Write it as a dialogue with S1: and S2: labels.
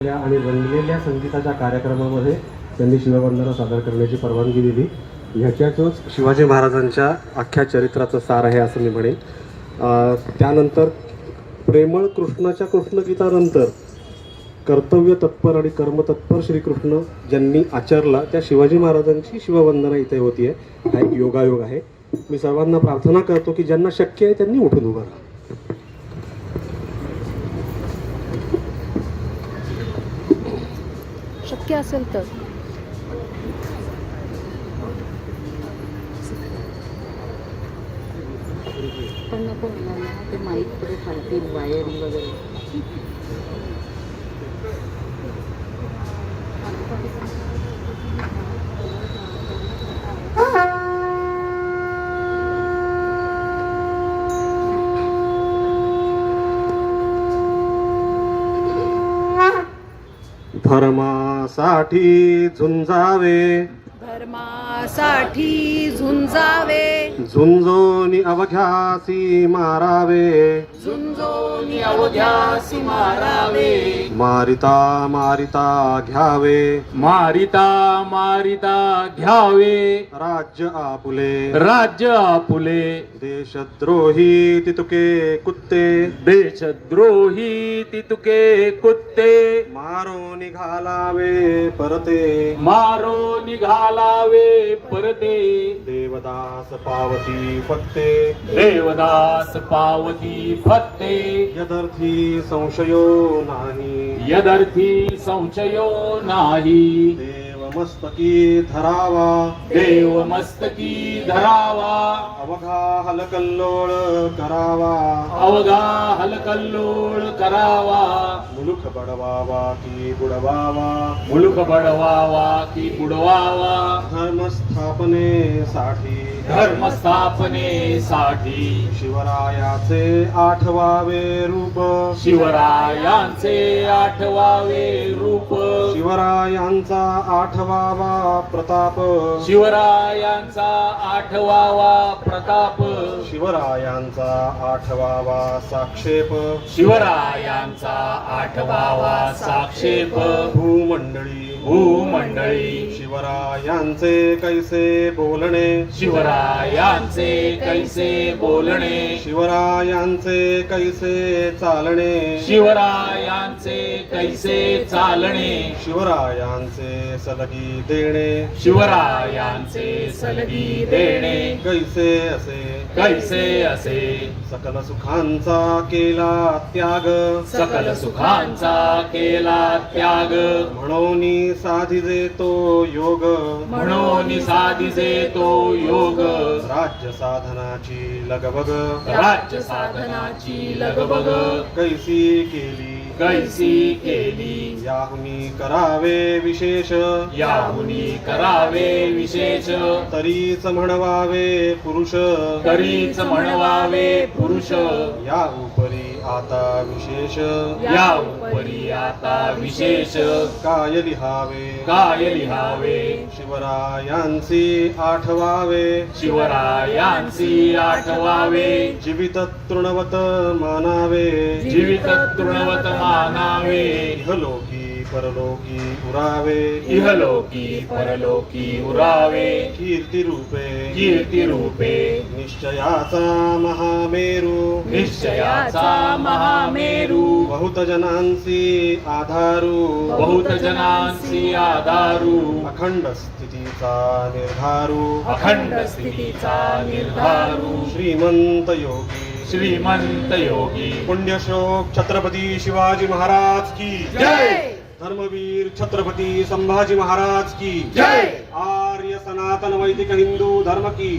S1: आणि रंगलेल्या संगीताच्या कार्यक्रमामध्ये त्यांनी शिववंदना सादर करण्याची परवानगी दिली. ह्याच्यातच शिवाजी महाराजांच्या अख्ख्या चरित्राचं सार आहे असं मी म्हणेन. त्यानंतर प्रेमळ कृष्णाच्या कृष्णगीतानंतर कर्तव्य तत्पर आणि कर्मतत्पर श्रीकृष्ण ज्यांनी आचरला त्या शिवाजी महाराजांची शिववंदना इथे होती आहे. हा एक योगायोग आहे. मी सर्वांना प्रार्थना करतो की ज्यांना शक्य आहे त्यांनी उठून उभं राहा.
S2: शक्य असेल तर
S3: पण नको मला ते माईक पुढे फाडतील वायरिंग वगैरे.
S1: धर्मासाठी झुंजावे,
S2: धर्मासाठी झुंजावे,
S1: झुंजोनी अवघ्यासी मारावे,
S2: झुंजोनी अवघ्यासी मारावे,
S1: मारिता मारिता घ्यावे,
S4: मारिता मारिता घ्यावे,
S1: राज्य आपुले,
S4: राज्य आपुले,
S1: देशद्रोही तितुके कुत्ते,
S4: देशद्रोही तितुके कुत्ते,
S1: मारो निघालावे परते,
S4: मारो निघालावे परते,
S1: देवदास पावती फत्ते,
S4: देवदास पावती फत्ते,
S1: यदर्थी संशयो नाही,
S4: यदर्थी संशयो नाही,
S1: मस्तकी धरावा,
S4: देव मस्तकी धरावा,
S1: अवघा हलकल्लोळ करावा,
S4: अवघा हलकल्लोळ करावा,
S1: मुलुख बडवावा की बुडवावा,
S4: मुलुख बडवावा की बुडवावा,
S1: धर्मस्थापनेसाठी,
S4: धर्मस्थापनेसाठी,
S1: शिवरायाचे आठवावे रूप,
S4: शिवरायांचे आठवावे रूप,
S1: शिवरायांचा आठवावा प्रताप,
S4: शिवरायांचा आठवावा प्रताप, शिवरायांचा
S1: आठवावा साक्षेप,
S4: शिवरायांचा आठवावा साक्षेप,
S1: भूमंडळी
S4: भूमंडळी,
S1: शिवरायांचे कैसे बोलणे,
S4: शिवरायांचे कैसे बोलणे,
S1: शिवरायांचे कैसे चालणे,
S4: शिवरायांचे कैसे चालणे,
S1: शिवरायांचे सलगी देणे,
S4: शिवरायांचे सलगी देणे,
S1: कैसे असे
S4: कैसे असे,
S1: सकल सुखांचा केला त्याग,
S4: सकल सुखांचा केला त्याग,
S1: म्हणून साधिजे तो योग,
S4: म्हणून साधिजे तो योग,
S1: राज्य साधनाची लगबग,
S4: राज्य साधनाची लगबग,
S1: कैसी केली
S4: कैसी केली,
S1: याहुनी करावे विशेष,
S4: याहुनी करावे विशेष,
S1: तरीच म्हणवावे पुरुष,
S4: तरीच म्हणवावे पुरुष,
S1: या उपरी आता विशेष,
S4: या उपरी आता विशेष,
S1: काय लिहावे,
S4: काय लिहावे,
S1: शिवरायांची आठवावे,
S4: शिवरायांची आठवावे,
S1: जीवित तृणवत मानावे,
S4: जीवित तृणवत मानावे,
S1: इहलोकी परलोकी उरावे,
S4: इहलोकी परलोकी उरावे,
S1: कीर्ती रूपे,
S4: कीर्ती रूपे,
S1: निश्चयाचा महामेरू,
S4: निश्चयाचा महामेरू,
S1: बहुत जनांची आधारू,
S4: बहुत जनांची आधारू,
S1: अखंड स्थितीचा निर्धारू,
S4: अखंड स्थितीचा निर्धारू,
S1: श्रीमंत योगी,
S4: श्रीमंत योगी,
S1: पुण्यश्लोक छत्रपती शिवाजी महाराज की
S4: जय,
S1: धर्मवीर छत्रपती संभाजी महाराज की
S4: जय,
S1: आर्य सनातन वैदिक हिंदू धर्म की